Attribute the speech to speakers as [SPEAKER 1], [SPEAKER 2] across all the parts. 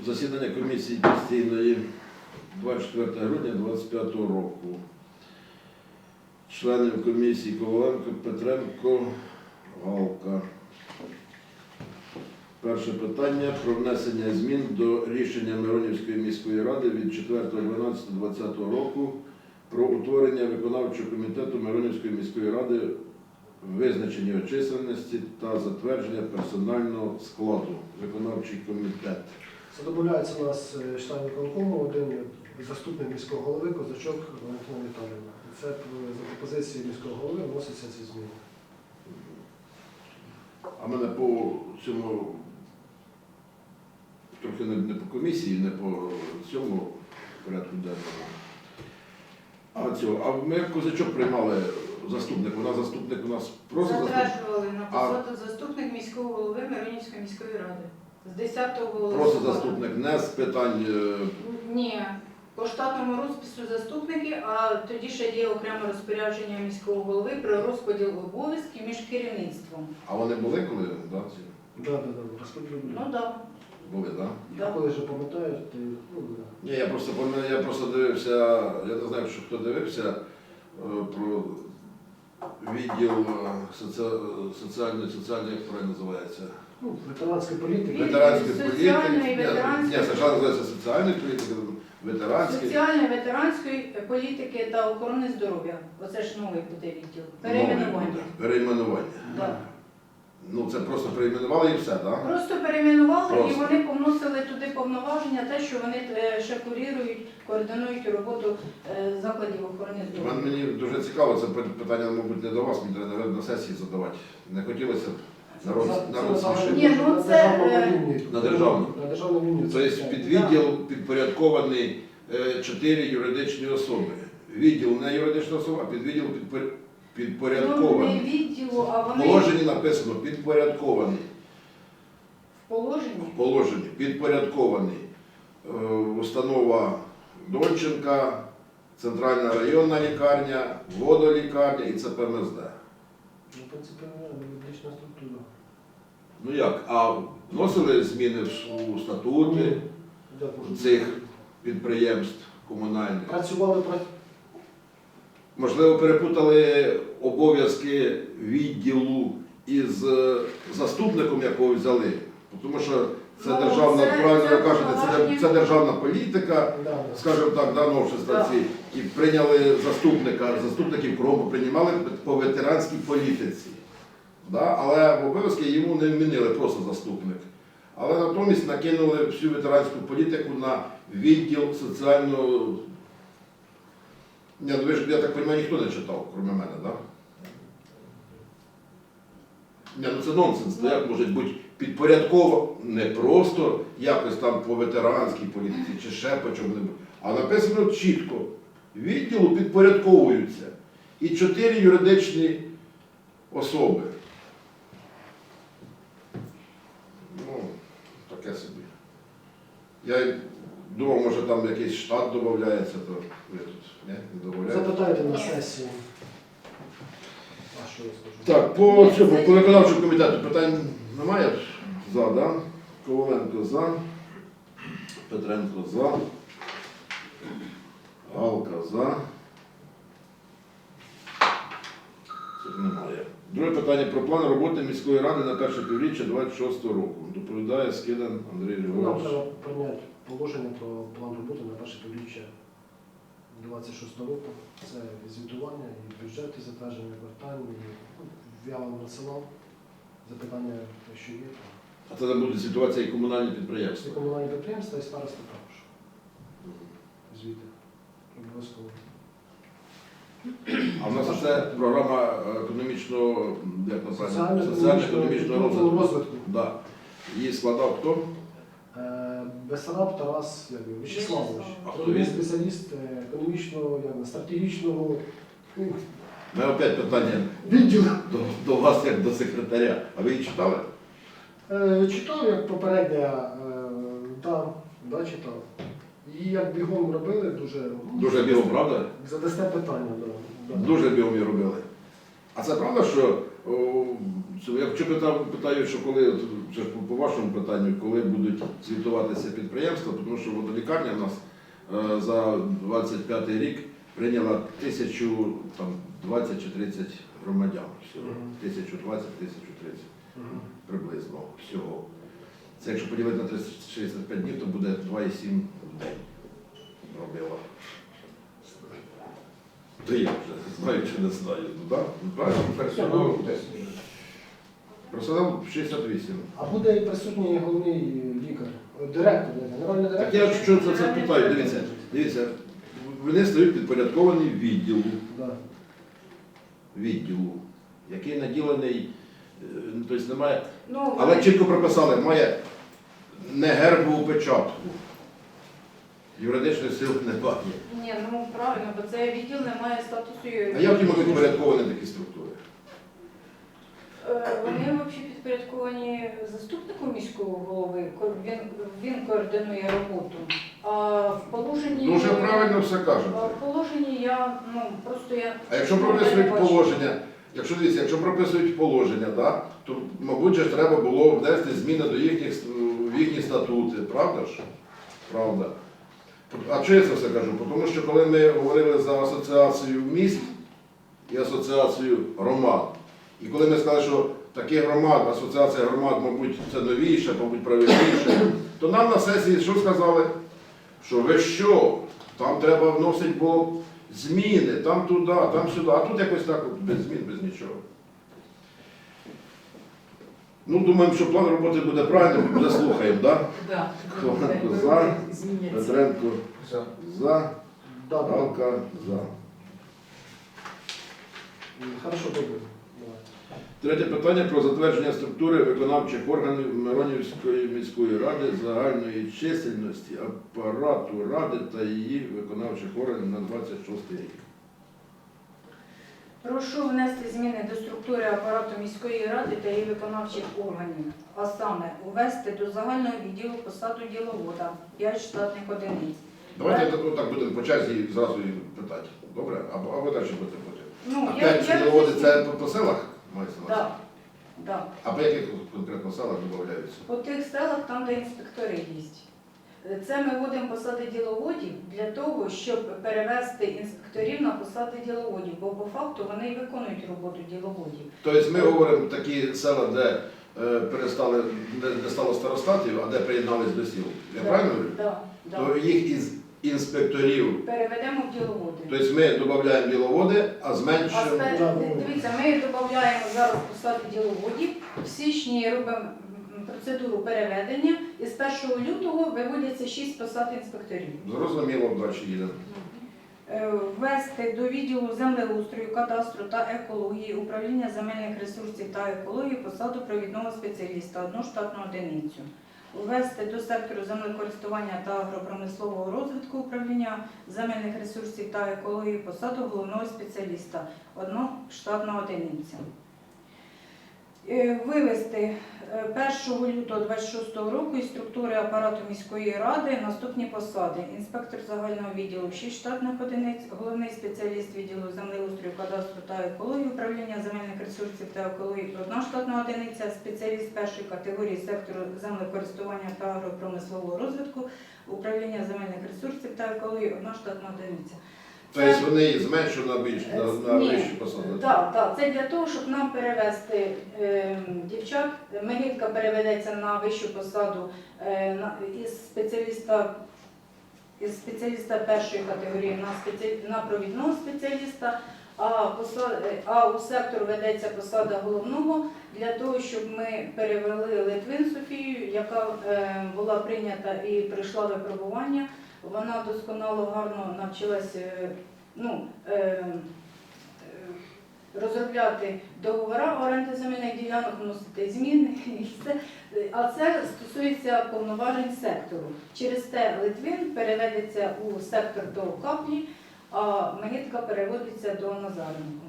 [SPEAKER 1] засідання комісії постійної 24 грудня 2025 року. Членів комісії Коваленко, Петренко, Галка. Перше питання про внесення змін до рішення Миронівської міської ради від 4.12.2020 року про утворення виконавчого комітету Миронівської міської ради, визначення його чисельності та затвердження персонального складу. Виконавчий комітет.
[SPEAKER 2] Задовольняється у нас член виконкому, один заступник міського голови Козачок Валентина Віталіївна. Це за пропозицією міського голови вносяться ці зміни.
[SPEAKER 1] А мене по цьому, трохи не по комісії, не по цьому порядку денному. А ми Козачок приймали заступник. Вона заступник у нас просто
[SPEAKER 3] затверджували на посаду заступник міського голови Миронівської міської ради. З 10-го листопада.
[SPEAKER 1] Просто заступник, не з питань.
[SPEAKER 3] Ні, по штатному розпису заступники, а тоді ще є окреме розпорядження міського голови про розподіл обов'язків між керівництвом.
[SPEAKER 1] А вони були коли? Да, ці?
[SPEAKER 2] Так, розподіл.
[SPEAKER 3] Ну так.
[SPEAKER 1] Були, так?
[SPEAKER 3] Да.
[SPEAKER 2] Коли вже пам'ятають, то
[SPEAKER 1] Ні, я просто дивився, я не знаю, що хто дивився про відділ соціальної, як правильно називається?
[SPEAKER 2] ветеранської політики.
[SPEAKER 1] Ветеранської політики.
[SPEAKER 3] Соціальної, ветеранської.
[SPEAKER 1] Ні, спочатку називається соціальної політики, ветеранської.
[SPEAKER 3] Соціальної, ветеранської політики та охорони здоров'я. Оце ж новий буде відділ. Перейменування.
[SPEAKER 1] Перейменування.
[SPEAKER 3] Да.
[SPEAKER 1] Ну це просто перейменували і все, так? Да?
[SPEAKER 3] Просто перейменували
[SPEAKER 1] Просто.
[SPEAKER 3] і вони повносили туди повноваження, те, що вони ще курують, координують роботу закладів охорони здоров'я.
[SPEAKER 1] Мені дуже цікаво, це питання, мабуть, не до вас, мені треба на сесії задавати. Не хотілося б народ смішити.
[SPEAKER 3] Ні, ну це
[SPEAKER 1] На державну.
[SPEAKER 2] На державну лінію.
[SPEAKER 1] Тобто під відділ підпорядкований 4 юридичні особи. Відділ не юридична особа, а під відділ
[SPEAKER 3] ну, не
[SPEAKER 1] підпорядкований.
[SPEAKER 3] відділу, а
[SPEAKER 1] В
[SPEAKER 3] вони
[SPEAKER 1] положенні написано підпорядкований.
[SPEAKER 3] в положенні.
[SPEAKER 1] В положенні підпорядкований. Установа Донченка, Центральна районна лікарня, водолікарня і ЦПМСД.
[SPEAKER 2] Ну, в принципі, юридична структура.
[SPEAKER 1] Ну як? А вносили зміни у статути цих підприємств комунальних?
[SPEAKER 2] Працювали.
[SPEAKER 1] Можливо, перепутали обов'язки відділу із заступником, якого взяли. Тому що це
[SPEAKER 3] Ну,
[SPEAKER 1] державна,
[SPEAKER 3] це
[SPEAKER 1] правильно ви кажете,
[SPEAKER 3] повноваження.
[SPEAKER 1] це державна політика, скажімо так, да, новшества ці. І прийняли заступників кругом приймали по ветеранській політиці. Да? Але в обов'язки йому не вмінили просто заступник. Але натомість накинули всю ветеранську політику на відділ соціального. Ні, ну ви ж, я так розумію, ніхто не читав, крім мене, так? Да? Ні, ну це нонсенс, ну, як може бути підпорядково, не просто якось там по ветеранській політиці чи ще по чому-небудь, а написано чітко, відділу підпорядковуються і 4 юридичні особи. Ну, таке собі. Я думав, може там якийсь штат додається, то ви тут не додаєте.
[SPEAKER 2] Запитайте на сесії. А що я скажу?
[SPEAKER 1] Так, по цьому, по виконавчому комітету питань немає? За, да? Коваленко за, Петренко за, Галка за. Цих немає. Друге питання про план роботи міської ради на перше півріччя 2026 року. Доповідає Скидан Андрій
[SPEAKER 2] Нам
[SPEAKER 1] Григорович.
[SPEAKER 2] треба прийняти положення про план роботи на перше півріччя 26 року. Це звітування, і бюджет, і затвердження квартальні. Я вам надсилав запитання, що є.
[SPEAKER 1] А це буде ситуація і комунальні
[SPEAKER 2] Всі
[SPEAKER 1] підприємства.
[SPEAKER 2] комунальні підприємства і старости також. Звіти. Обов'язково.
[SPEAKER 1] А в нас це програма економічного, як направильно, соціально-економічного розвитку. Да. Її складав хто?
[SPEAKER 2] Бесараб Тарас Вячеславович.
[SPEAKER 1] А хто
[SPEAKER 2] Головний
[SPEAKER 1] він?
[SPEAKER 2] спеціаліст економічного, стратегічного
[SPEAKER 1] У мене опять питання
[SPEAKER 2] відділу.
[SPEAKER 1] до вас, як до секретаря. А ви її читали?
[SPEAKER 2] Читав, як попередня, да, читав. І як бігом робили,
[SPEAKER 1] Дуже бігом, правда?
[SPEAKER 2] задасте питання. Да.
[SPEAKER 1] Дуже бігом її робили. А це правда, що Якщо питаю, що коли, це ж по вашому питанню, коли будуть звітуватися підприємства, тому що водолікарня в нас за 25 рік прийняла 1020 чи 30 громадян всього. 1020-1030 приблизно всього. Це якщо поділити на 365 днів, то буде 2,7 в день робила. То я вже знаю чи не знаю. Ну, так?
[SPEAKER 4] Персонал 10.
[SPEAKER 1] Персонал 68.
[SPEAKER 2] А буде і присутній головний лікар, директор, генеральний
[SPEAKER 1] Так
[SPEAKER 2] директор?
[SPEAKER 1] я що це питаю, дивіться, вони стають підпорядковані відділу, який наділений, тобто немає,
[SPEAKER 3] Ну,
[SPEAKER 1] але чітко прописали, має не гербову печатку. Юридичної сили немає.
[SPEAKER 3] ні, ну правильно, бо це відділ не має статусу.
[SPEAKER 1] А як їм підпорядковані такі структури?
[SPEAKER 3] Вони взагалі підпорядковані заступнику міського голови, він координує роботу. А в положенні...
[SPEAKER 1] Ну вже правильно все кажете.
[SPEAKER 3] А в положенні я, просто я...
[SPEAKER 1] А якщо
[SPEAKER 3] не
[SPEAKER 1] прописують
[SPEAKER 3] бачу.
[SPEAKER 1] положення, якщо прописують положення, да, то, мабуть, же ж треба було внести зміни до в їхні статути, правда ж? Правда. А чого я це все кажу? Тому що коли ми говорили за асоціацію міст і асоціацію громад, і коли ми сказали, що таких громад, асоціація громад, мабуть, це новіше, мабуть, правильніше, то нам на сесії що сказали? Що ви що? Там треба вносити було зміни, там туди, там сюди, а тут якось так от, без змін, без нічого. Ну, думаємо, що план роботи буде правильним, заслухаємо, так?
[SPEAKER 5] Да.
[SPEAKER 1] Коваленко за,
[SPEAKER 5] Зміняться.
[SPEAKER 1] Петренко за,
[SPEAKER 2] Да, да.
[SPEAKER 1] Галка за.
[SPEAKER 2] Хорошо, добре. Давай.
[SPEAKER 1] Третє питання про затвердження структури виконавчих органів Миронівської міської ради загальної чисельності апарату ради та її виконавчих органів на 26 рік.
[SPEAKER 3] Прошу внести зміни до структури апарату міської ради та її виконавчих органів, а саме увести до загального відділу посаду діловода 5 штатних одиниць.
[SPEAKER 1] Давайте так будемо по черзі і зразу і питати. Добре? А ви далі будете потім.
[SPEAKER 3] Ну,
[SPEAKER 1] А 5 діловоди це по селах мається на увазі?
[SPEAKER 3] Да.
[SPEAKER 1] А по яких конкретно селах додаються?
[SPEAKER 3] По тих селах, там, де інспектори є. Це ми вводимо посади діловодів для того, щоб перевести інспекторів на посади діловодів, бо по факту вони і виконують роботу діловодів.
[SPEAKER 1] Тобто ми говоримо такі села, де перестали, де стало старостатів, а де приєднались до сіл. Я правильно говорю?
[SPEAKER 3] Да, да.
[SPEAKER 1] То їх із інспекторів,
[SPEAKER 3] Переведемо в діловоди.
[SPEAKER 1] тобто ми додаємо діловоди, а зменшуємо.
[SPEAKER 3] Дивіться, ми додаємо зараз посади діловодів, в січні робимо процедуру переведення і з 1 лютого виводяться 6 посад інспекторів.
[SPEAKER 1] Зрозуміло, далі їдемо.
[SPEAKER 3] Ввести до відділу землеустрою, кадастру та екології, управління земельних ресурсів та екології посаду провідного спеціаліста, 1 штатну одиницю. Ввести до сектору землекористування та агропромислового розвитку управління земельних ресурсів та екології посаду головного спеціаліста, 1 штатна одиниця. Вивести 1 лютого 26 року із структури апарату міської ради наступні посади. Інспектор загального відділу 6 штатних одиниць, головний спеціаліст відділу землеустрою, кадастру та екології, управління земельних ресурсів та екології 1 штатна одиниця, спеціаліст першої категорії сектору землекористування та агропромислового розвитку, управління земельних ресурсів та екології 1 штатна одиниця.
[SPEAKER 1] Тобто вони зменшують на більш на
[SPEAKER 3] Ні.
[SPEAKER 1] вищі посади.
[SPEAKER 3] Так, це для того, щоб нам перевести дівчат. Мегітка переведеться на вищу посаду із спеціаліста першої категорії на провідного спеціаліста, а у сектор ведеться посада головного для того, щоб ми перевели Литвин Софію, яка була прийнята і пройшла випробування. Вона досконало, гарно навчилася розробляти договори оренди земельних ділянок, вносити зміни і все. А це стосується повноважень сектору. Через те Литвин переведеться у сектор до Каплі, а Мегітка переводиться до Назаренко.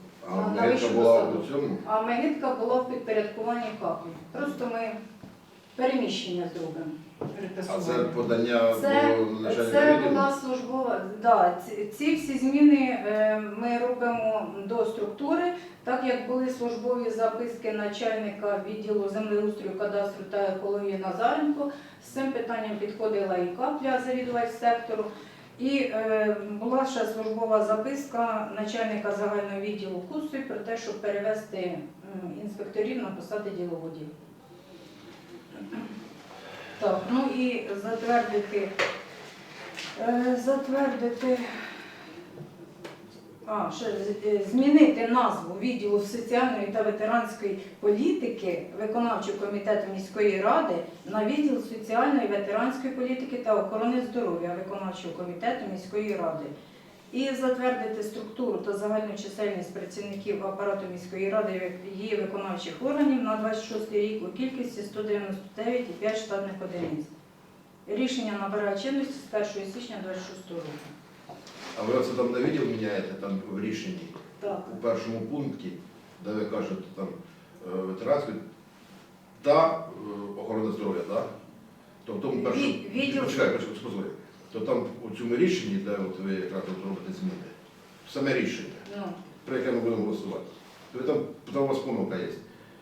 [SPEAKER 1] А Мегітка була у цьому?
[SPEAKER 3] А Мегітка була в підпорядкуванні Каплі. Просто ми Переміщення зробимо.
[SPEAKER 1] А це подання
[SPEAKER 3] Це,
[SPEAKER 1] до начальника
[SPEAKER 3] це
[SPEAKER 1] відділу?
[SPEAKER 3] була службова. Да, ці всі зміни ми робимо до структури, так як були службові записки начальника відділу землеустрою, кадастру та екології Назаренко. З цим питанням підходила і Капля, завідувач сектору. І була ще службова записка начальника загального відділу Куцуй про те, щоб перевести інспекторів на посади діловодів. Так, ну і змінити назву відділу соціальної та ветеранської політики виконавчого комітету міської ради на відділ соціальної, ветеранської політики та охорони здоров'я виконавчого комітету міської ради. І затвердити структуру та загальну чисельність працівників апарату міської ради і її виконавчих органів на 26 рік у кількості 199,5 штатних одиниць. Рішення набирає чинності з 1 січня 26 року.
[SPEAKER 1] А ви оце там на відділ міняєте там в рішенні?
[SPEAKER 3] Так.
[SPEAKER 1] У першому пункті, де ви кажете там ветеранську та охорона здоров'я, так? То в тому першому...
[SPEAKER 3] Відділ-
[SPEAKER 1] Почекай, послухай. То там у цьому рішенні, де от ви якраз от робите зміни, саме рішення,
[SPEAKER 3] Ну,
[SPEAKER 1] про яке ми будемо голосувати, то ви там у вас помилка є.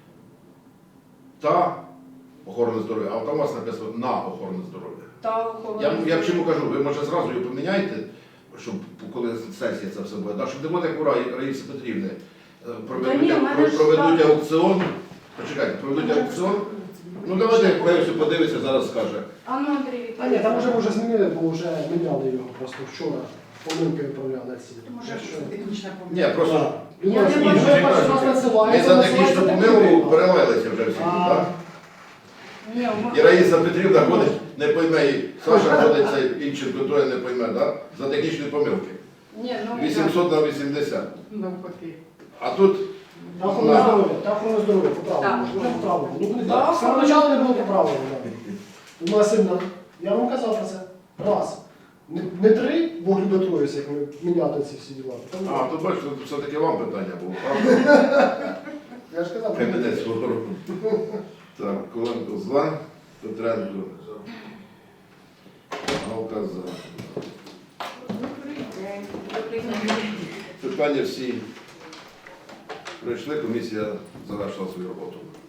[SPEAKER 1] Та охорона здоров'я, а там у вас написано на охорону здоров'я.
[SPEAKER 3] та охорона
[SPEAKER 1] Я чому кажу, ви може зразу її поміняйте, щоб коли сесія це все буде, да, щоб не було як у Раїси Петрівни.
[SPEAKER 3] ні, в мене ж
[SPEAKER 1] Проведуть
[SPEAKER 3] так.
[SPEAKER 1] аукціон. Почекайте, проведуть аукціон. Ну давайте Персю подивиться, зараз скаже.
[SPEAKER 3] А ну, Андрій,
[SPEAKER 2] А ні, там вже змінили, бо вже міняли його просто вчора. Помилки виправляли ці.
[SPEAKER 4] Може, це технічна
[SPEAKER 1] Ні, просто
[SPEAKER 2] Так.
[SPEAKER 3] Я
[SPEAKER 2] Людина
[SPEAKER 3] не
[SPEAKER 2] вже
[SPEAKER 3] можу
[SPEAKER 2] перший
[SPEAKER 1] кажуть,
[SPEAKER 2] раз
[SPEAKER 1] ми
[SPEAKER 2] надсилає,
[SPEAKER 1] за
[SPEAKER 2] надсилає,
[SPEAKER 1] технічну
[SPEAKER 2] так
[SPEAKER 1] помилку
[SPEAKER 2] потрібно.
[SPEAKER 1] перелилися вже всі,
[SPEAKER 2] А.
[SPEAKER 1] так?
[SPEAKER 3] Ні,
[SPEAKER 1] І Раїса Петрівна ходить, не пойме, і Саша ходить, цей інший той не пойме, так? За технічні помилки.
[SPEAKER 3] ні, ну,
[SPEAKER 1] 800 на 80.
[SPEAKER 4] навпаки.
[SPEAKER 1] А тут
[SPEAKER 2] Та охорона здоров'я, та охорона здоров'я, поправлено.
[SPEAKER 4] Так.
[SPEAKER 2] Вже поправлено. Ну, не
[SPEAKER 3] Так.
[SPEAKER 2] так. З самого початку не було поправлено. У нас сильно. Я вам казав про це. Раз. Не три, бо люди троїться, як ми міняти ці всі діла.
[SPEAKER 1] А, то бачите, тут все-таки вам питання було, правда?
[SPEAKER 2] Я ж казав.
[SPEAKER 1] Кабінет свого року. Так, Коленко за, Петренко. Галка за. Питання всі пройшли, комісія завершила свою роботу.